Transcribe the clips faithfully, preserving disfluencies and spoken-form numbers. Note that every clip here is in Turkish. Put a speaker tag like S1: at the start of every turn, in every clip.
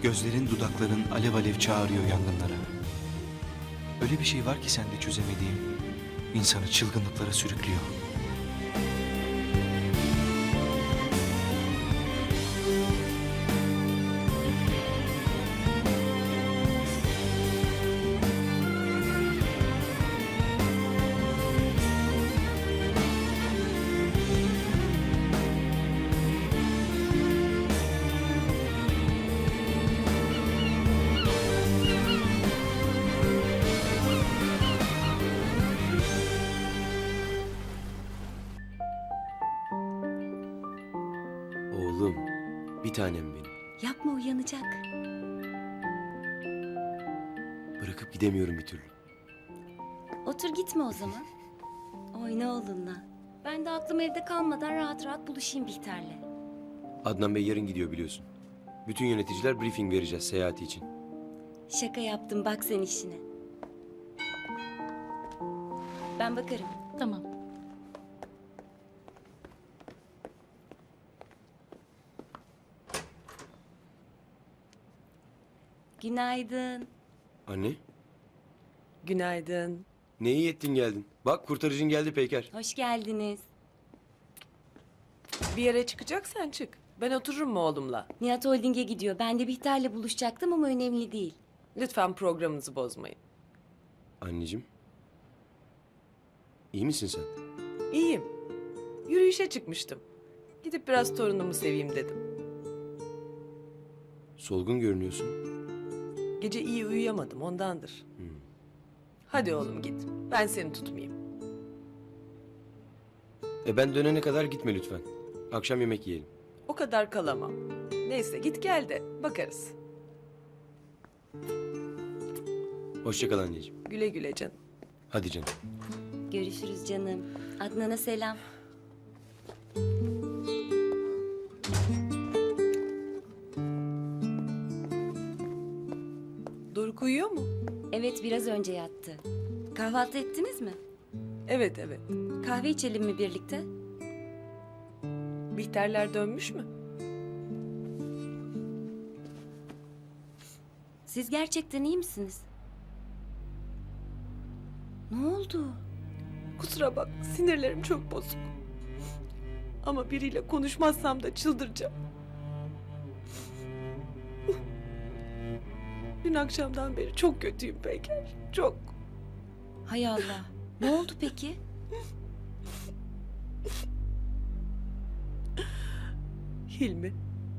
S1: Gözlerin, dudakların alev alev çağırıyor yangınlara. Öyle bir şey var ki sende çözemediğim, insanı çılgınlıklara sürüklüyor.
S2: Oğlum, bir tanem benim.
S3: Yapma, uyanacak.
S2: Bırakıp gidemiyorum bir türlü.
S3: Otur, gitme o zaman. Oyna oğlunla. Ben de aklım evde kalmadan rahat rahat buluşayım Bihter'le.
S2: Adnan Bey yarın gidiyor biliyorsun. Bütün yöneticiler briefing vereceğiz seyahati için.
S3: Şaka yaptım, bak sen işine. Ben bakarım.
S4: Tamam.
S3: Günaydın.
S2: Anne,
S5: Günaydın.
S2: ne iyi ettin geldin. Bak kurtarıcın geldi Peyker.
S3: Hoş geldiniz.
S5: Bir yere çıkacaksan çık. Ben otururum mu oğlumla?
S3: Nihat Holding'e gidiyor. Ben de Bihter'le buluşacaktım ama önemli değil.
S5: Lütfen programınızı bozmayın.
S2: Anneciğim, iyi misin sen?
S5: İyiyim. Yürüyüşe çıkmıştım. Gidip biraz torunumu seveyim dedim.
S2: Solgun görünüyorsun.
S5: Gece iyi uyuyamadım ondandır. Hadi oğlum git. Ben seni tutmayayım.
S2: E ben dönene kadar gitme lütfen. Akşam yemek yiyelim.
S5: O kadar kalamam. Neyse git gel de bakarız.
S2: Hoşça kal anneciğim.
S5: Güle güle canım.
S2: Hadi canım.
S3: Görüşürüz canım. Adnan'a selam.
S5: Doruk uyuyor mu?
S3: Evet, biraz önce yattı. Kahvaltı ettiniz mi?
S5: Evet evet.
S3: Kahve içelim mi birlikte?
S5: Bihterler dönmüş mü?
S3: Siz gerçekten iyi misiniz? Ne oldu?
S5: Kusura bak sinirlerim çok bozuk. Ama biriyle konuşmazsam da çıldıracağım. Dün akşamdan beri çok kötüyüm Peyker. Çok.
S3: Hay Allah. Ne oldu peki?
S5: Hilmi.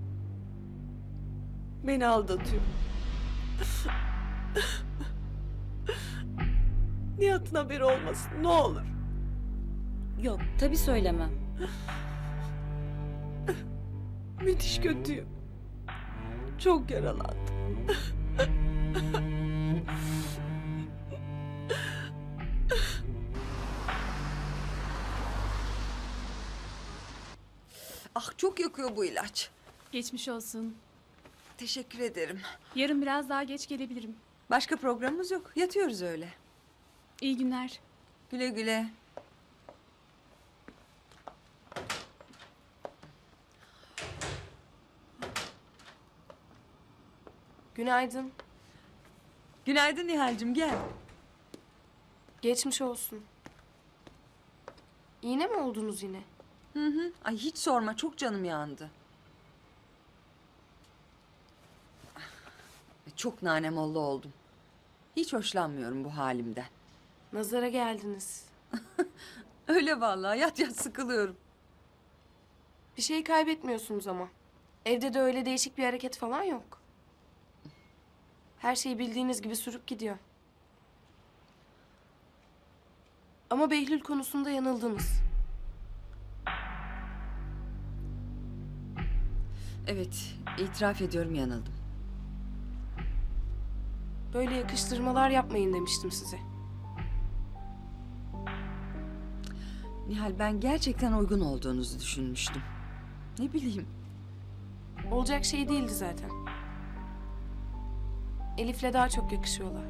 S5: Beni aldatıyor. Nihat'ın haberi olmasın ne olur.
S3: Yok, tabii söylemem.
S5: Müthiş kötüyüm. Çok yaralandım.
S6: Ah çok yakıyor bu ilaç.
S4: Geçmiş olsun.
S6: Teşekkür ederim.
S4: Yarın biraz daha geç gelebilirim.
S6: Başka programımız yok. Yatıyoruz öyle.
S4: İyi günler.
S6: Güle güle.
S7: Günaydın.
S6: Günaydın Nihal'cim gel.
S7: Geçmiş olsun. İğne mi oldunuz yine?
S6: Hı hı. Ay hiç sorma çok canım yandı. Çok nanemollu oldum. Hiç hoşlanmıyorum bu halimden.
S7: Nazara geldiniz.
S6: Öyle vallahi yat yat sıkılıyorum.
S7: Bir şey kaybetmiyorsunuz ama. Evde de öyle değişik bir hareket falan yok. Her şey bildiğiniz gibi sürüp gidiyor. Ama Behlül konusunda yanıldınız.
S6: Evet itiraf ediyorum yanıldım.
S7: Böyle yakıştırmalar yapmayın demiştim size.
S6: Nihal ben gerçekten uygun olduğunuzu düşünmüştüm. Ne bileyim.
S7: Olacak şey değildi zaten. Elif'le daha çok yakışıyorlar.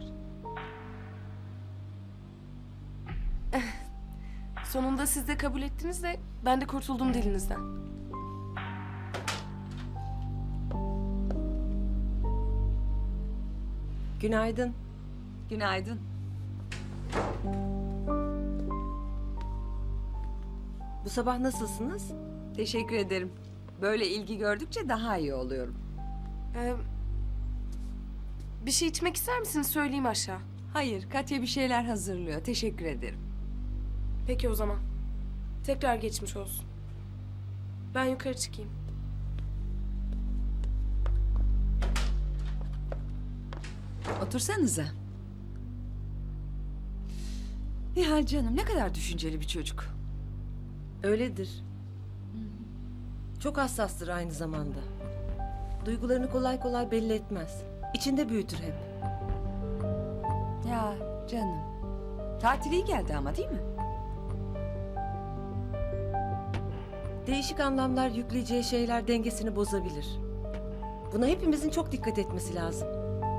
S7: Sonunda siz de kabul ettiniz de ben de kurtuldum dilinizden.
S8: Günaydın.
S6: Günaydın.
S8: Bu sabah nasılsınız?
S6: Teşekkür ederim. Böyle ilgi gördükçe daha iyi oluyorum.
S7: Ee, bir şey içmek ister misiniz? Söyleyeyim aşağı.
S6: Hayır, Katya bir şeyler hazırlıyor. Teşekkür ederim.
S7: Peki o zaman. Tekrar geçmiş olsun. Ben yukarı çıkayım.
S6: Otursanıza. Nihal canım ne kadar düşünceli bir çocuk.
S8: Öyledir. Çok hassastır aynı zamanda. Duygularını kolay kolay belli etmez. İçinde büyütür hep.
S6: Ya canım. Tatil iyi geldi ama değil mi?
S8: Değişik anlamlar yükleyeceği şeyler dengesini bozabilir. Buna hepimizin çok dikkat etmesi lazım.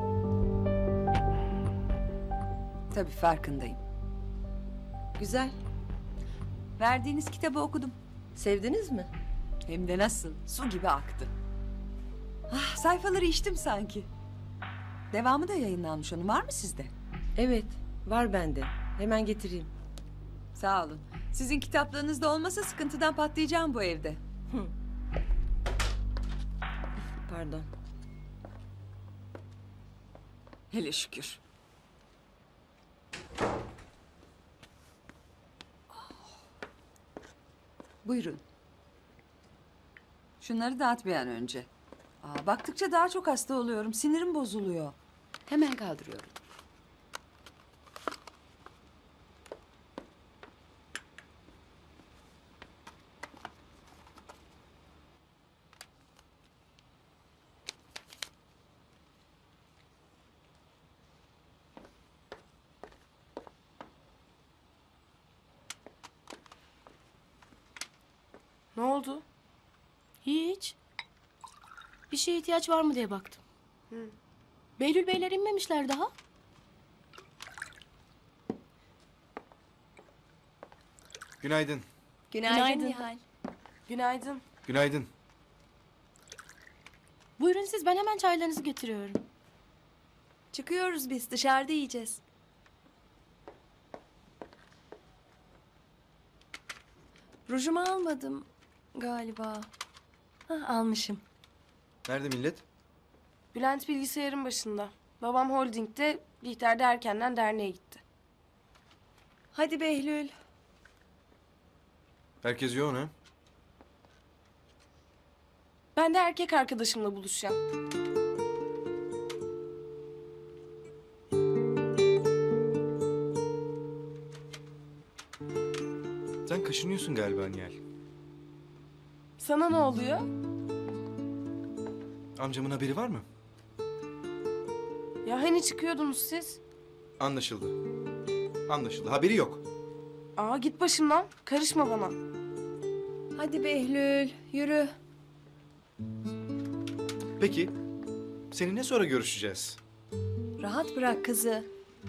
S6: Tabii farkındayım.
S8: Güzel.
S6: Verdiğiniz kitabı okudum.
S8: Sevdiniz mi?
S6: Hem de nasıl? Su gibi aktı. Ah, sayfaları içtim sanki. Devamı da yayınlanmış onun. Var mı sizde?
S8: Evet, var bende. Hemen getireyim.
S6: Sağ olun. Sizin kitaplarınızda olmasa sıkıntıdan patlayacağım bu evde.
S8: Pardon.
S6: Hele şükür. Buyurun. Şunları dağıt bir an önce. Aa, baktıkça daha çok hasta oluyorum. Sinirim bozuluyor.
S9: Hemen kaldırıyorum.
S7: Ne oldu?
S9: Hiç. Bir şeye ihtiyaç var mı diye baktım. Behlül Beyler inmemişler daha.
S1: Günaydın.
S3: Günaydın, Nihal.
S7: Günaydın.
S1: Günaydın.
S9: Buyurun siz, ben hemen çaylarınızı getiriyorum.
S3: Çıkıyoruz biz, dışarıda yiyeceğiz. Rujumu almadım galiba. Hah, almışım.
S1: Nerede millet?
S7: Bülent bilgisayarın başında. Babam holdingde, Bihter de erkenden derneğe gitti.
S3: Hadi Behlül.
S1: Herkes yoğun ha?
S7: Ben de erkek arkadaşımla buluşacağım.
S1: Sen kaşınıyorsun galiba Nihal.
S7: Sana ne oluyor?
S1: Amcamın haberi var mı?
S7: Ya hani çıkıyordunuz siz?
S1: Anlaşıldı. Anlaşıldı. Haberi yok.
S7: Aa git başımdan. Karışma bana.
S3: Hadi Behlül, yürü.
S1: Peki. Seninle sonra görüşeceğiz.
S3: Rahat bırak kızı.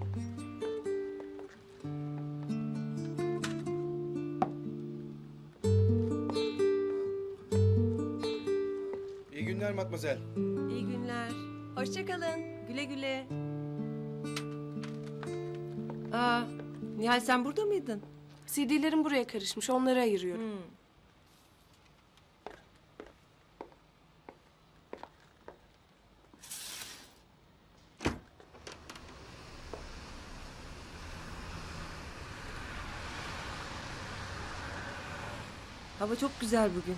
S1: İyi günler Matmazel.
S8: İyi günler.
S3: Hoşça kalın.
S8: Güle güle. Aa, Nihal sen burada mıydın?
S7: C D'lerim buraya karışmış. Onları ayırıyorum.
S8: Hmm. Hava çok güzel bugün.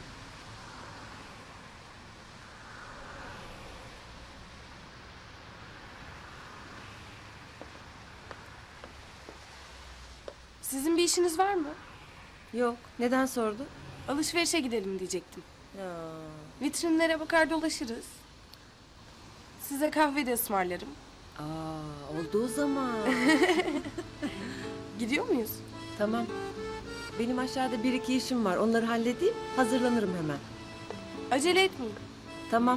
S7: Sizin bir işiniz var mı?
S8: Yok. Neden sordun?
S7: Alışverişe gidelim diyecektim.
S8: Ya.
S7: Vitrinlere bakar dolaşırız. Size kahve de ısmarlarım.
S8: Aa, oldu o zaman.
S7: Gidiyor muyuz?
S8: Tamam. Benim aşağıda bir iki işim var. Onları halledeyim. Hazırlanırım hemen.
S7: Acele etmeyin.
S8: Tamam.